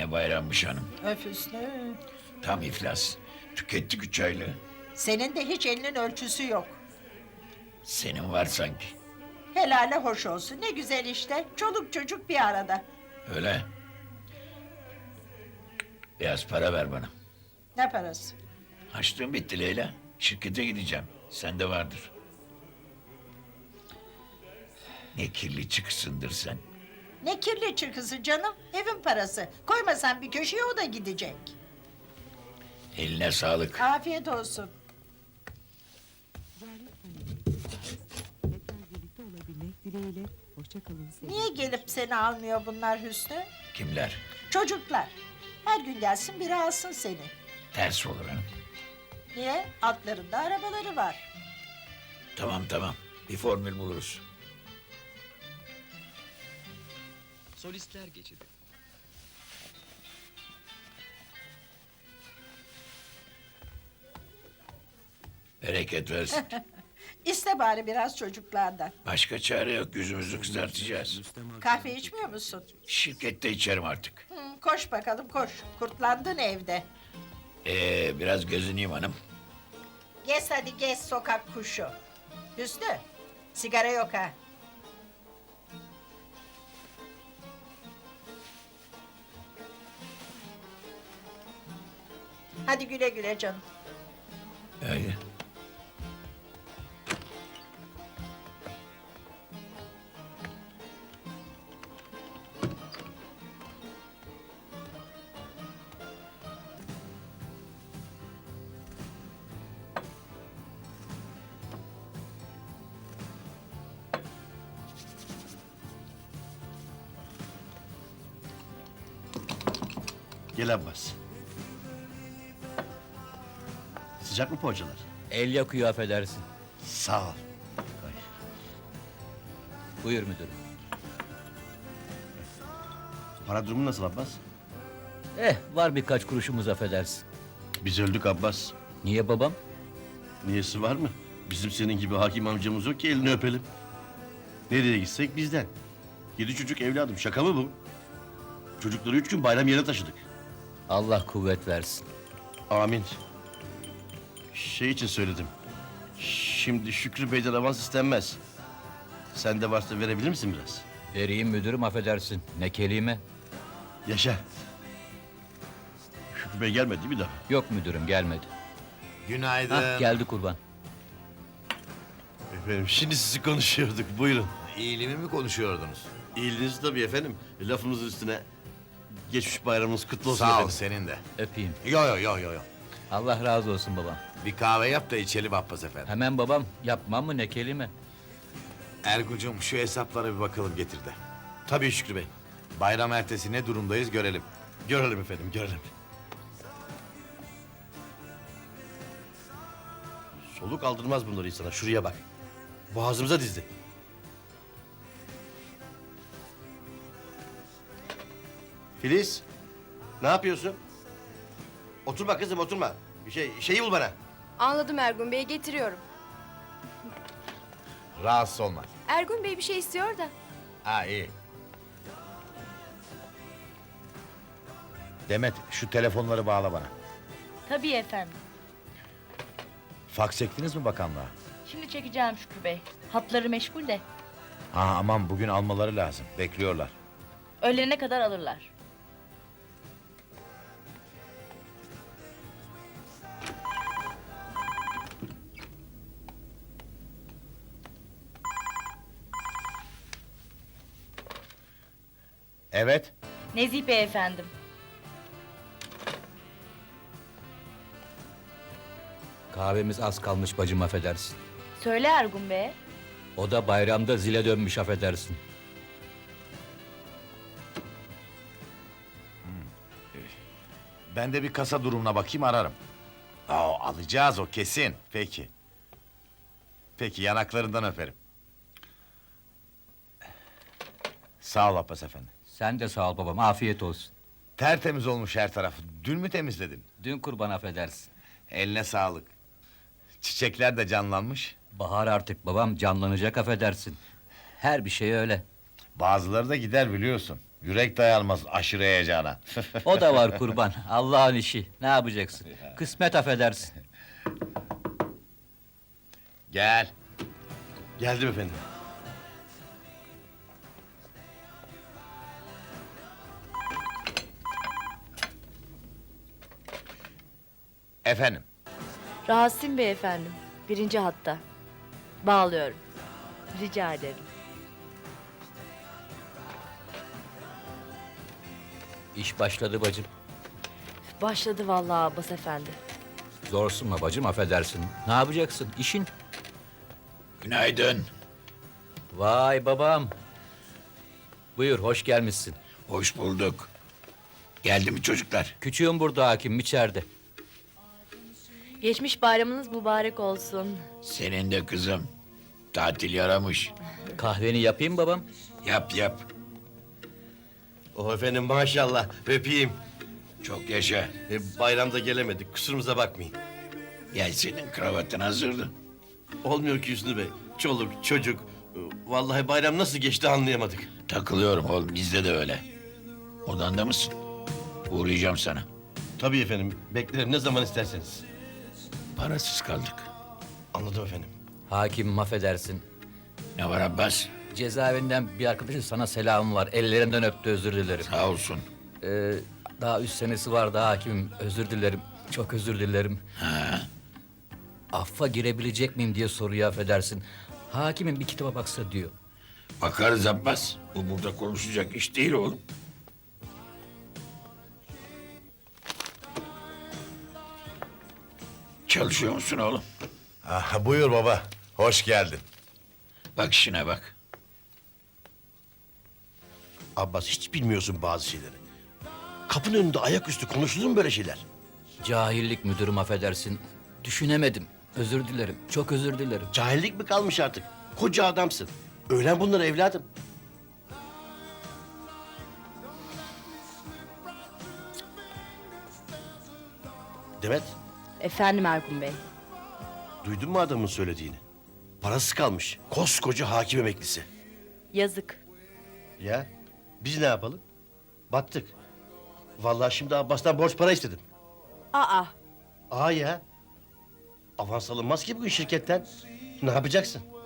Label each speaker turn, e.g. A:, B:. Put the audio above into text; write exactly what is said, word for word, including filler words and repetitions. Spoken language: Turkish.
A: Ne bayrammış hanım.
B: Öf Hüsnü.
A: Tam iflas. Tükettik üç aylığı.
B: Senin de hiç elinin ölçüsü yok.
A: Senin var sanki.
B: Helale hoş olsun. Ne güzel işte. Çoluk çocuk bir arada.
A: Öyle. Biraz para ver bana.
B: Ne parası?
A: Açlığım bitti Leyla. Şirkete gideceğim. Sende vardır. Ne kirli çıksındır sen.
B: Ne kirli çıkısı canım. Evin parası. Koymasan bir köşeye o da gidecek.
A: Eline sağlık.
B: Afiyet olsun.
C: Tekrar birlikte olabilmek dileğiyle. Hoşça kalın sevgili.
B: Niye gelip seni almıyor bunlar Hüsnü?
A: Kimler?
B: Çocuklar. Her gün gelsin biri alsın seni.
A: Ters olur hanım.
B: Niye? Altlarında arabaları var.
A: Tamam tamam. Bir formül buluruz.
D: Solistler geçidi.
A: Bereket versin.
B: İste bari biraz çocuklardan.
A: Başka çare yok. Yüzümüzü kızartacağız.
B: Kahve içmiyor musun?
A: Şirkette içerim artık.
B: Hı, koş bakalım koş. Kurtlandın evde.
A: Ee, biraz gözüneyim hanım.
B: Gez hadi gez sokak kuşu. Hüsnü, sigara yok ha. Hadi güle güle canım.
A: Öyle.
E: Gel Abbas. Sıcak mı poğaçalar?
F: El yakıyor affedersin.
E: Sağ ol. Ay,
F: Buyur müdürüm.
E: para durumu nasıl Abbas?
F: Eh var birkaç kuruşumuz affedersin.
E: Biz öldük Abbas.
F: Niye babam?
E: Niyesi var mı? Bizim senin gibi hakim amcamız yok ki elini öpelim. Nereye gitsek bizden. Yedi çocuk evladım, şaka mı bu? Çocukları üç gün bayram yerine taşıdık.
F: Allah kuvvet versin.
E: Amin. Şey için söyledim. Şimdi Şükrü Bey'den avans istenmez. Sende varsa verebilir misin biraz?
F: Vereyim müdürüm affedersin. Ne kelime?
E: Yaşa. Şükrü Bey gelmedi değil mi daha?
F: Yok müdürüm gelmedi.
G: Günaydın.
F: Hah geldi kurban.
E: Efendim şimdi sizi konuşuyorduk, buyurun.
G: İyiliğimi mi konuşuyordunuz?
E: İyiliğiniz tabii efendim. Lafımızın üstüne geçmiş bayramınız kutlu olsun
G: Sağ ol,
E: efendim.
G: senin de.
F: Öpeyim.
G: Yo yo yo yo yo.
F: Allah razı olsun babam.
G: Bir kahve yap da içelim Abbas efendi.
F: Hemen babam yapmam mı ne kelime?
G: Ergucum şu hesaplara bir bakalım getir de.
E: Tabii Şükrü Bey.
G: Bayram ertesi ne durumdayız görelim.
E: Görelim efendim, görelim. Soluk aldırmaz bunları insana. Şuraya bak. Boğazımıza dizdi. Filiz, ne yapıyorsun? Oturma kızım, oturma. Bir şey, şeyi bul bana.
H: Anladım Ergun Bey, getiriyorum.
G: Rahatsız olma.
H: Ergun Bey bir şey istiyor da.
G: Ha iyi. Demet şu telefonları bağla bana.
I: Tabii efendim.
G: Faks çektiniz mi bakanlığa?
I: Şimdi çekeceğim Şükrü Bey. Hatları meşgul de.
G: Ha aman bugün almaları lazım. Bekliyorlar.
I: Öğlene kadar alırlar.
G: Evet.
I: Nezih Bey efendim.
F: Kahvemiz az kalmış bacım affedersin.
I: Söyle Ergun Bey'e.
F: O da bayramda zile dönmüş affedersin.
G: Ben de bir kasa durumuna bakayım ararım. Aa, alacağız o kesin. Peki. Peki yanaklarından öperim. Sağ ol Abbas efendi.
F: Sen de sağ ol babam afiyet olsun.
G: Tertemiz olmuş her tarafı. Dün mü temizledin?
F: Dün kurban affedersin.
G: Eline sağlık. Çiçekler de canlanmış.
F: Bahar artık babam canlanacak affedersin. Her bir şey öyle.
G: Bazıları da gider biliyorsun. Yürek dayanmaz aşırı heyecana.
F: O da var kurban. Allah'ın işi. Ne yapacaksın? Kısmet affedersin.
G: Gel.
E: Geldim efendim.
G: Efendim.
I: Rasim Bey efendim. Birinci hatta. Bağlıyorum. Rica ederim.
F: İş başladı bacım.
I: Başladı vallahi Abbas efendi.
F: Zorsunma bacım affedersin. Ne yapacaksın? İşin.
A: Günaydın.
F: Vay babam. Buyur hoş gelmişsin.
A: Hoş bulduk. Geldi mi çocuklar?
F: Küçüğüm burada hakim içeride.
I: Geçmiş bayramınız mübarek olsun.
A: Senin de kızım. Tatil yaramış.
F: Kahveni yapayım babam.
A: Yap yap.
E: Oh efendim maşallah öpeyim.
A: Çok yaşa.
E: E, bayramda gelemedik kusurumuza bakmayın.
A: Gel senin kravatın hazırdı.
E: Olmuyor ki Hüsnü Bey. Çoluk çocuk. E, Vallahi bayram nasıl geçti anlayamadık.
A: Takılıyorum oğlum bizde de öyle. Odanda mısın? Uğrayacağım sana.
E: Tabii efendim beklerim ne zaman isterseniz.
A: Parasız kaldık.
E: Anladım efendim.
F: Hakim affedersin.
A: Ne var Abbas?
F: Cezaevinden bir arkadaşın sana selamı var. Ellerinden öptü özür dilerim.
A: Sağ olsun.
F: Ee, daha üç senesi var daha hakimim. Özür dilerim. Çok özür dilerim.
A: Ha,
F: Affa girebilecek miyim diye soruyor affedersin. Hakimin bir kitaba baksa diyor.
A: bakarız Abbas. Bu burada konuşacak iş değil oğlum. Çalışıyor musun oğlum?
G: Ah, buyur baba. Hoş geldin.
A: Bak işine bak.
E: Abbas hiç bilmiyorsun bazı şeyleri. Kapının önünde ayaküstü konuşulur mu böyle şeyler?
F: Cahillik müdürüm affedersin. Düşünemedim. Özür dilerim. Çok özür dilerim.
E: Cahillik mi kalmış artık? Koca adamsın. Öğren bunları evladım. Demet,
I: Efendim Ergun Bey.
E: duydun mu adamın söylediğini? Parası kalmış. Koskoca hakim emeklisi.
I: Yazık.
E: Ya, biz ne yapalım? Battık. Vallahi şimdi Abbas'tan borç para istedim.
I: Aa.
E: Aa ya. Avans alınmaz ki bugün şirketten. Ne yapacaksın?